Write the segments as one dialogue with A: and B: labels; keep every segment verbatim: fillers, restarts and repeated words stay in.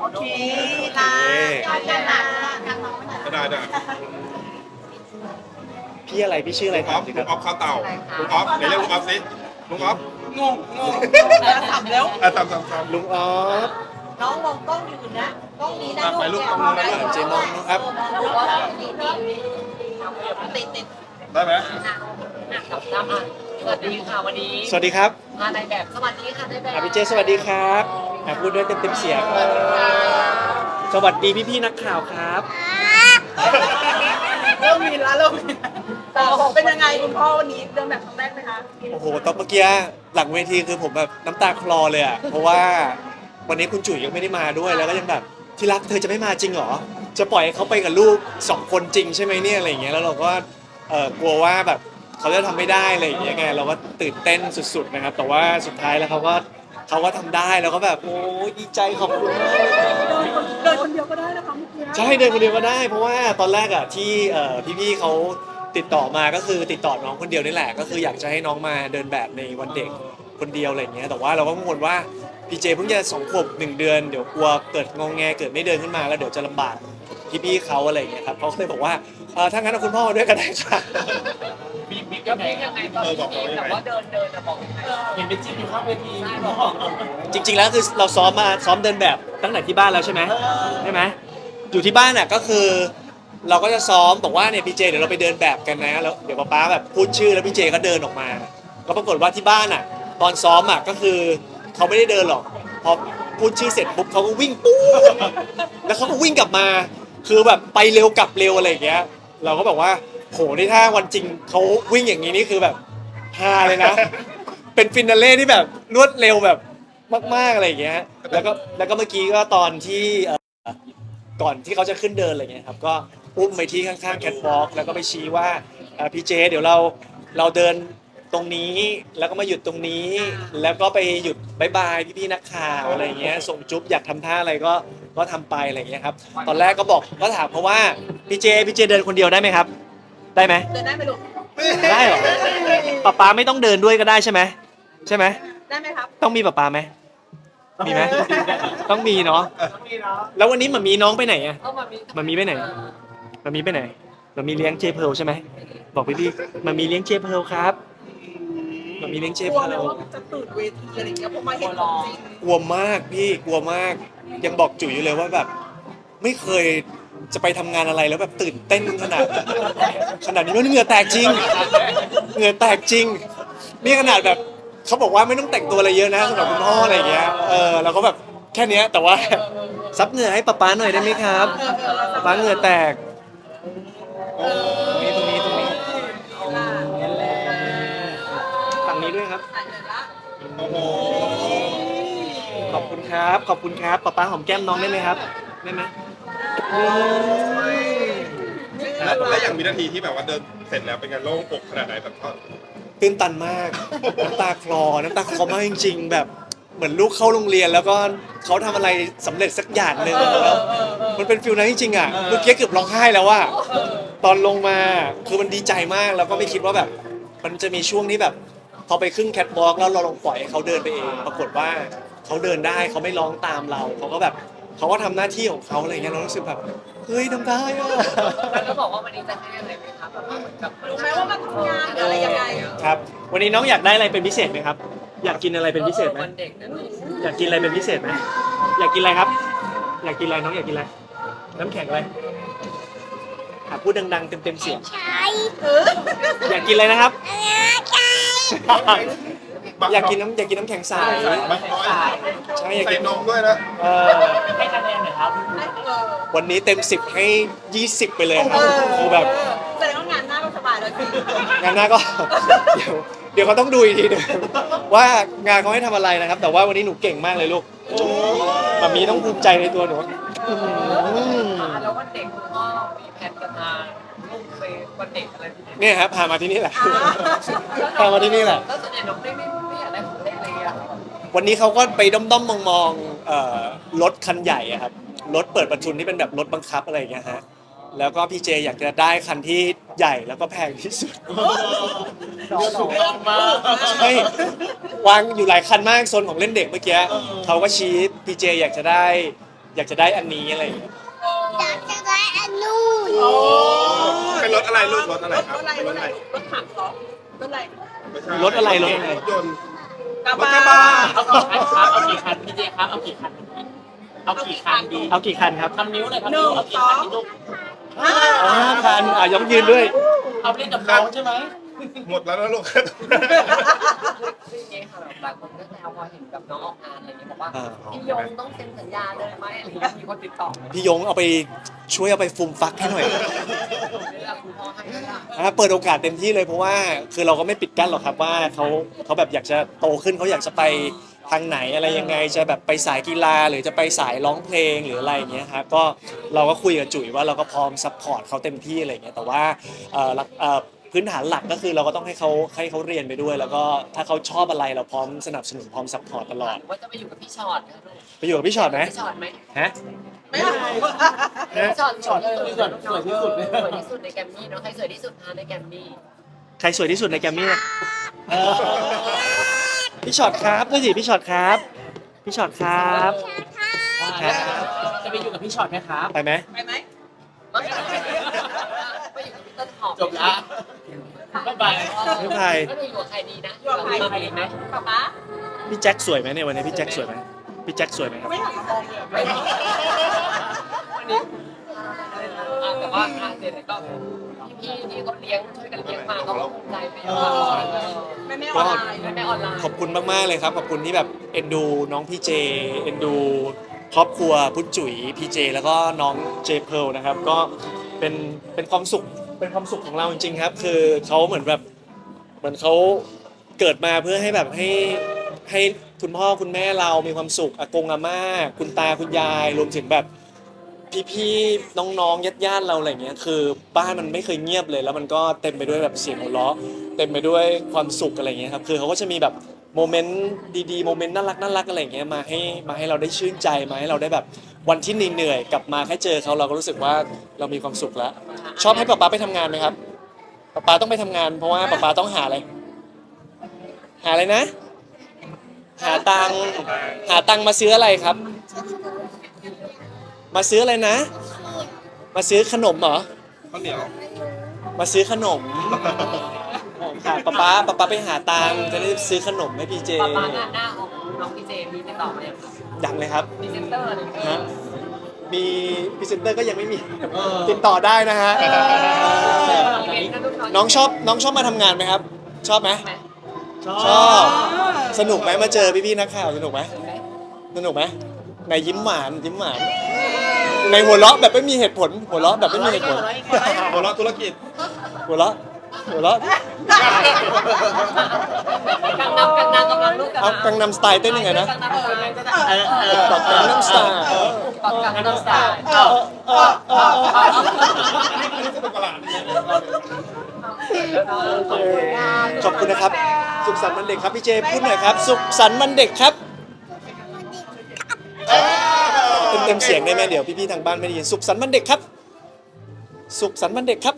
A: เคค่ะได้ค่ะ
B: ได้ได้
C: พี่อะไรพี่ชื่ออะไร
B: ลุงอ
C: ถา
B: อ
C: ม
B: ฟ
C: สิ
B: ลุ
C: ครั
B: ง
C: บ
B: ออฟข้าวเต่าลุงออฟไหนเรียกลุงออฟสิลุงออฟ
A: งงงงแล้วสับแล้ว
B: อ่ะทำทำทำ
C: ลุงออฟ
A: น้องมองกล้องอยู่นะกล้องนี้นะ
B: อ่ะ
A: ลูก
B: ถ่ายรูป
A: เนี่ย
B: ตรงนู้นนะ
A: ได้
C: เจมองนะครับ
A: ติดติด
B: ได้ไหม
D: สวัสดีค่ะวันนี้
C: สวัสดีครับ
D: มาในแบบสวัสดีค่ะในแบบ
C: อ่ะพี่เจสวัสดีครับอ่ะพูดด้วยเต็มๆเสียงสวัสดีพี่ๆนักข่าวครับ
A: เริ่มมีแล้วเริ่มมีแต่เป็นยังไงคุณพ่อวันนี้เดินแบบครั้งแรกไหมคะ
C: โอ้โหตอนเมื่อกี้หลังเวทีคือผมแบบน้ำตาคลอเลยอ่ะเพราะว่าวันนี้คุณจุ๋ยยังไม่ได้มาด้วยแล้วก็ยังแบบที่รักเธอจะไม่มาจริงเหรอจะปล่อยให้เขาไปกับลูกสองคนจริงใช่ไหมเนี่ยอะไรอย่างเงี้ยแล้วเราก็เออกลัวว่าแบบเขาจะทำไม่ได้อะไรอย่างเงี้ยไงเราก็ตื่นเต้นสุดๆนะครับแต่ว่าสุดท้ายแล้วเขาก็เขาก็ทำได้แล้วก็แบบโอ้ยดีใจขอบคุณมาก
A: เดินคนเดียวก็ได้นะคะเมื่อกี้
C: ใช่เดินคนเดียวก็ได้เพราะว่าตอนแรกอ่ะที่เอ่อพี่ๆเขาติดต่อมาก็คือติดต่อน้องคนเดียวนี่แหละก็คืออยากจะให้น้องมาเดินแบบในวันเด็กคนเดียวอะไรอย่างเงี้ยแต่ว่าเราก็กังวลว่าพี่เจเพิ่งจะสองขวบหนึ่งเดือนเดี๋ยวกลัวเกิดงงแงเกิดไม่เดินขึ้นมาแล้วเดี๋ยวจะลำบากพี่ๆเขาอะไรอย่างเงี้ยครับเขาก็เลยบอกว่าเออถ้างั้นเอาคุณพ่อมาด้วยก็ได้ค่ะ
D: บิ๊กบิ๊กยังไงยังไงตอนที่แบบว่าเดินเดินจะบอกยังไงเห็นเป็นจิ๊บอยู่ข้างเวทีใช่บอก
C: จริงๆแล้วคือเราซ้อมมาซ้อมเดินแบบตั้งแต่ที่บ้านแล้วใช่ไหมใช่ไหมอยู่ที่บ้านน่ะก็คือ เราก็จะซ้อมบอกว่าเนี่ยพี่เจเดี๋ยวเราไปเดินแบบกันนะแล้วเดี๋ยวป๊าป๊าแบบพูดชื่อแล้วพี่เจก็เดินออกมาก็ปรากฏว่าที่บ้านอ่ะ ตอนซ้อมอ่ะก็คือเขาไม่ได้เดินหรอกพอพูดชื่อเสร็จปุ๊บเขาก็วิ่งปุ๊บแล้วเขาก็วิ่งกลับมา คือแบบไปเร็วกลับเร็วอะไรอย่างเงี้ย เราก็บอกว่าโหนี่ถ้าวันจริงเขาวิ่งอย่างนี้นี่คือแบบฮาเลยนะ เป็นฟินาเล่ที่แบบรวดเร็วแบบมากๆอะไรอย่างเงี้ยแล้วก็แล้วก็เมื่อกี้ก็ตอนที่เอ่อก่อนที่เขาจะขึ้นเดินอะไรเงี้ยครับก็อุ้มไปที่ข้างๆแคทวอล์กแล้วก็ไปชี้ว่าเอ่อพี่เจเดี๋ยวเราเราเดินตรงนี้แล้วก็มาหยุดตรงนี้ แล้วก็ไปหยุดบายบายพี่ๆนักข่าวอะไรเงี้ยส่งจุ๊บอยากทำท่าอะไรก็ก็ทำไปอะไรเงี้ยครับตอนแรกก็บอกก็ถามเขาว่าพี่เจพี่เจเดินคนเดียวได้ไหมครับ ได้ไหม
A: เดินได้ไหมลูก
C: ได้เหรอป๊าป๊าไม่ต้องเดินด้วยก็ได้ใช่ไหมใช่ไหม
A: ได้ไหมครับ
C: ต้องมีป๊าป๊าไหมมีไหมต้องมีเนาะแล้ววันนี้มันมีน้องไปไหนอะ
D: เอามามี
C: มันมีไปไหนมันมีไปไหนมันมีเลี้ยงเจเพร์ลใช่ไหมบอกพี่พี่มันมีเลี้ยงเจเพร์ลครับมันมีเลี้ยงเจ
A: ก
C: เพ
A: ลัว
C: ร์
A: ไหม
C: ล
A: ว่าจะตื่นเวทีอะไรอย่างเงี้ยเพราะมาเห็นของจริง
C: กลัวมากพี่กลัวมาก ยังบอกจุ๋ยอยู่เลยว่าแบบ ไม่เคยจะไปทำงานอะไรแล้วแบบตื่นเต้นขนาดขนาดนี้แล้วเหงื่อแตกจริงเหงื่อแตกจริงนี่ขนาดแบบเขาบอกว่าไม่ต้องแต่งตัวอะไรเยอะนะสำหรับคุณพ่ออะไรอย่างเงี้ยเออเราก็แบบแค่เนี้ยแต่ว่าซับเหงื่อให้ป๊าป๊าหน่อยได้ไหมครับป๊าป๊าเหงื่อแตกตรงนี้ตรงนี้ตรงนี้ฝั่งนี้ด้วยครับ
A: ถ่ายเลยละ
B: โอ้โห
C: ขอบคุณครับ ขอบคุณครับป๊าป๊าหอมแก้มน้องได้ไหมครับ ได้ไหม
B: แล้วแล้วอย่างวินาทีที่แบบว่าเดินเสร็จแล้วเป็นไงโล่งอกขนาดไหนแบบเขา
C: ตื่นตันมาก น้ำตาคลอ น้ำตาคลอมากจริงๆ แบบเหมือนลูกเข้าโรงเรียนแล้วก็เขาทำอะไรสำเร็จสักอย่างหนึ่งแล้วมันเป็นฟิลนั้นจริงๆอ่ะ เมื่อกี้เกือบร้องไห้แล้วว่า ตอนลงมาคือมันดีใจมากแล้วก็ไม่คิดว่าแบบ มันจะมีช่วงที่แบบ พอไปขึ้นแคทวอล์กแล้วเราลองปล่อยให้เขาเดินไปเอง ปรากฏว่าเขาเดินได้เขาไม่ร้องตามเราเขาก็แบบเขาก็ทำหน้าที่ของเขาอะไรเงี้ยเรารู้สึกแบบเฮ้ยทำได้อะ
D: แล้วก็บอกว่าวันนี้จะให้อะไรไหมครับแบบว่าเหมือนกับ
A: รู้ไหมว่ามาทำงานหรืออะไรยังไง
C: ครับ วันนี้น้องอยากได้อะไรเป็นพิเศษไหมครับ อยากกินอะไรเป็นพิเศษไหม
D: วันเด็กนะลูก
C: อยากกินอะไรเป็นพิเศษไหมอยากกินอะไรครับ อยากกินอะไรน้องอยากกินอะไร น้ำแข็งอะไรอ่ะพูดดังๆเต็มๆเสียง อยากกินอะไรนะครับ อยากกินน้ำอยากกินน้ำแข็งใส
B: บังร้อย
C: ใช่อยาก
B: ใส่
C: กิน
B: นมด้วยนะ
C: เออ
D: ให้คะแนนหน่อยครับ
A: เออ
C: วันนี้เต็มสิบให้ยี่สิบไปเลยครับคือแบบ
A: แสดงว่างานหน้าก็สบายแล้วสิ
C: งานหน้าก็ เดี๋ยวเดี๋ยวเขาต้องดูอีกทีหนึงว่างานเขาให้ทำอะไรนะครับ แต่ว่าวันนี้หนูเก่งมากเลยลูกแบบมีต้องภูมิใจในตัวหนูอื้อหือ
D: แล้ววันเด็กคุณพ่อมีแผนจะพาลูกไปวันเด็กอะไรที่ไหน
C: เนี่ยครับพามาที่นี่แหละ พามาที่นี่แหละ
D: แล้วส่วนใหญ่น้องไม่ไม่ไม่อยากได้ของเล่นอะไรอ่ะ
C: วันนี้เขาก็ไปด้อมๆมองๆเอ่อรถคันใหญ่อะครับรถเปิดประทุนที่เป็นแบบรถบังคับอะไรอย่างเงี้ยฮะแล้วก็พี่เจอยากจะได้คันที่ใหญ่แล้วก็แพงที่สุด
A: เรื่องมาก
C: ใช่วางอยู่หลายคันมากโซนของเล่นเด็กเมื่อกี้เขาก็ชี้พี่เจอยากจะได้อยากจะได้อันนี้อะไรอย่างเงี้ย
E: อยากจะได้อันนู้น
B: โอ้เป็นรถอะไรลูกรถอะไร
A: รถ
B: ครับ
A: อะไรรถอะไรรถถังเหรอรถอะไร
B: ไม่ใช่
C: รถอะไรรถอะไร
B: รถยนต์
A: กระ
B: รถ
A: บะ
B: กระบะ
D: เอากี่คันครับเอากี่คันพี่เจครับเอากี่คันเอากี่คันดี
C: เอากี่คันครับ
D: ทำนิ้วเลยครับนิ้วเอากี่คันดีลูก
A: ห้า
C: เอาห้าคันอ่ะย้องยืนด้วย
D: เอาเล่นกับน้องใช่ไหม
B: หมดแล้วนะลูก
F: จริงๆค่ะแบบหลายคนก็แซวพอเห็นกับน้องออกงานอะไรเงี้ยบอกว่า
C: อ่า
F: พี่ยงต้องเซ็นสัญญาเลยไหมอะไรเงี้ยมีคนติดต่อไหม
C: พี่ยงเอาไปช่วยเอาไปฟูมฟักให้หน่อย
F: เวลาคุณพ่อให้ก็ได้
C: อ่ะเปิดโอกาสเต็มที่เลยเพราะว่าคือเราก็ไม่ปิดกั้นหรอกครับว่าเขาเขาแบบอยากจะโตขึ้นเขาอยากจะไปทางไหนอะไรยังไงจะแบบไปสายกีฬาหรือจะไปสายร้องเพลงหรืออะไรอย่างเงี้ยครับก็เราก็คุยกับจุ๋ยว่าเราก็พร้อมซัพพอร์ตเขาเต็มที่อะไรอย่างเงี้ยแต่ว่าเอ่อหลักเอ่อพื้นฐานหลักก็คือเราก็ต้องให้เขาให้เขาเรียนไปด้วย แล้วก็ถ้าเขาชอบอะไรเราพร้อมสนับสนุนพร้อมซัพพอร์ตตลอด
F: ว่าจะไปอยู่กับพี่ชอตนะลูก
C: ไปอยู่กับพี่ชอตไหม
F: พี่ชอตไหม
C: ฮะ
A: ไม่เอา
F: พี่ชอตชอตที่สุด
D: สวยสวยที่สุดเลย
F: สวยที่สุดในแกรมมี่เนาะใครสวยที่สุดคะในแกรมมี่
C: ใครสวยที่สุดในแกรมมี่พี่ชอตครับด้วยสิพี่ชอตครับพี่ชอตครับ
D: จะไปอยู่กับพี่ช็อตไหมครับ
C: ไปไหม
A: ไปไหม
F: ไม่ไปอยู่กับพี่ต้นหอม
D: จบละบ๊ายบาย
C: ไม่ไป
F: ก็ไปอยู่กับใครดีนะ
A: อยู่กับใคร
F: อยู่กับใครดีไหม
A: ป๊าป๊า
C: พี่แจ็คสวยไหมเนี่ยวันนี้พี่แจ็คสวยไหมพี่แจ็คสวยไหมครับ
A: ไม่หันมามองเลย
F: ไม่ดีวันนี้อ่าแต่ว่าอ่าเสร็จแล้วก็พี่ๆที่เขาเลี้ยงช่วยกันเลี้ยงมาเขาก็ภูมิใจไปเยอะเออ
A: แม่แม่ออนไลน์
F: แม่แม่ออนไลน์
C: ขอบคุณมากๆเลยครับขอบคุณที่แบบเอ็นดูน้องพี่เจเอ็นดูครอบครัวพุทธจุ๋ยพี่เจแล้วก็น้องเจเพร์ลนะครับก็เป็นเป็นความสุขเป็นความสุขของเราจริงๆครับ คือเขาเหมือนแบบเหมือนเขาเกิดมาเพื่อให้แบบให้ให้คุณพ่อคุณแม่เรามีความสุขอากงอาม่าคุณตาคุณยายรวมถึงแบบพี่ๆน้องๆญาติๆเราอะไรเงี้ยคือบ้านมันไม่เคยเงียบเลย แล้วมันก็เต็มไปด้วยแบบเสียงหัวเราะเต็มไปด้วยความสุขอะไรเงี้ยครับคือเขาก็จะมีแบบโมเมนต์ดีๆโมเมนต์น่ารักน่ารักอะไรเงี้ยมาให้มาให้เราได้ชื่นใจมาให้เราได้แบบวันที่เหนื่อยๆกลับมาแค่เจอเขาเราก็รู้สึกว่าเรามีความสุขแล้ว ชอบให้ป๊าป๊าไปทำงานไหมครับป๊าป๊าต้องไปทำงานเพราะว่าป๊าป๊าต้องหาอะไร หาอะไรนะ หาตังค์หาตังค์มาซื้ออะไรครับ มาซื้ออะไรนะ มาซื้อขนมเหรอ
B: ข้าวเหนียว
C: มาซื้อขนมค่ะป๊าป๊าป๊าป๊าไปหาตังค์จะได้ซื้อขนมให้พี่เจ
F: ป๊าป๊างานหน้าของน้องพี่เจมีติดต่อมาอย่างครับ
C: ยังเลยครับ
F: พรีเซนเตอร์อะไรอย่างเงี้ย
C: ฮะมีพรีเซนเตอร์ก็ยังไม่มีติดต่อได้นะฮะ
F: อีเวนต์นะลูก
C: น้องชอบน้องชอบมาทำงานไหมครับ ชอบไหม
F: ไหม
C: ชอบ สนุกไหมมาเจอพี่ๆนักข่าวสนุกไหมสนุกไหมในยิ้มหวานยิ้มหวานในหัวเราะแบบไม่มีเหตุผล หัวเราะแบบไม่มีเหตุผล
B: หัวเราะธุรกิจ
C: หัวเราะหัวเราะ
F: กังนำกังนำกำลังลูกกัง
C: เอา
F: นำ
C: กังนำสไตล์เต้นยังไงนะ
F: กังนำกำลังจะได้
C: เออเออบอกกังนำสไตล์เออ
F: ปักกังนำสไตล์
C: เออเออเออเออ
B: นี่สนุกประหลาด
C: ขอบคุณนะครับ สุขสันต์วันเด็กครับพี่เจพูดหน่อยครับ สุขสันต์วันเด็กครับเต็มเต็มๆเสียงได้ไหมเดี๋ยวพี่ๆทางบ้านไม่ได้ยินสุขสันต์วันเด็กครับ สุขสันต์วันเด็กครับ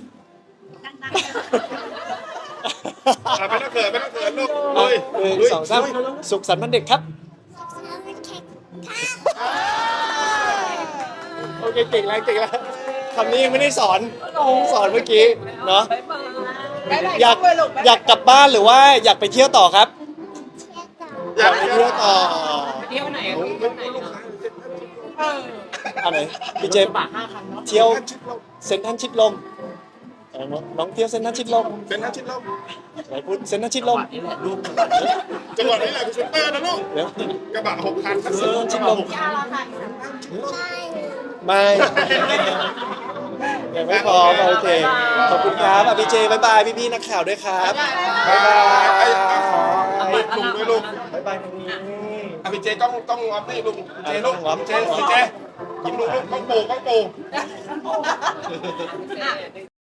B: อ่ะไม่ต้องเขินไม่ต้องเขินลูก
C: เอา
B: ลุย
C: หนึ่งสองสามสุขสันต์วันเด็กครับโอเคเก่งแล้วเก่งแล้วคำนี้ยังไม่ได้สอนสอนเมื่อกี้เนาะ
A: บ๊ายบาย
C: อยาก
A: ด้วยลูกบ๊ายบาย
C: อยากกลับบ้านหรือว่าอยากไปเที่ยวต่อครับ
B: อยากไป
C: ไป
B: เที่
C: เที่
B: ย
C: ยว วต่อ
F: เที่ยวไหน
B: ลู
F: ลู
B: ก
F: ก
B: ลู
F: เที่ยวไหน
B: กลูก
A: เออ
C: อันไหนพี่เจ
D: บาทห้าคันเนาะ
C: เที่ยวเซ็นทรัลชิดลมเออน้องเที่ยวเซ็นทรัลชิดลม
B: เป็นท่านชิดลม
C: ไหนพูดเซ็นทรัลชิดลม
D: นี่แหละลูก
B: จังหวัดนี้แหละคือเซ็นเตอร์นะลูก
C: เดี๋ยว
B: กระบะหกคันทั้ง
C: เซ็น
B: สิ้น
C: ทรัลชิดลมไม่ยังไม่พร้อมโอเคขอบคุณครับอ่ะพี่เจบายบายพี่ๆนักข่าวด้วยครับบายบาย
B: ไอ้ไอ้ขอลุงด้วยลูก
C: บายบายตรงนี้
B: อ่ะพี่เจต้องต้องออฟนี่ลูกพี่เจลูกพี่เจพี่เจยิ้มลูกลูกต้องปูต้องปู
F: อ่ะ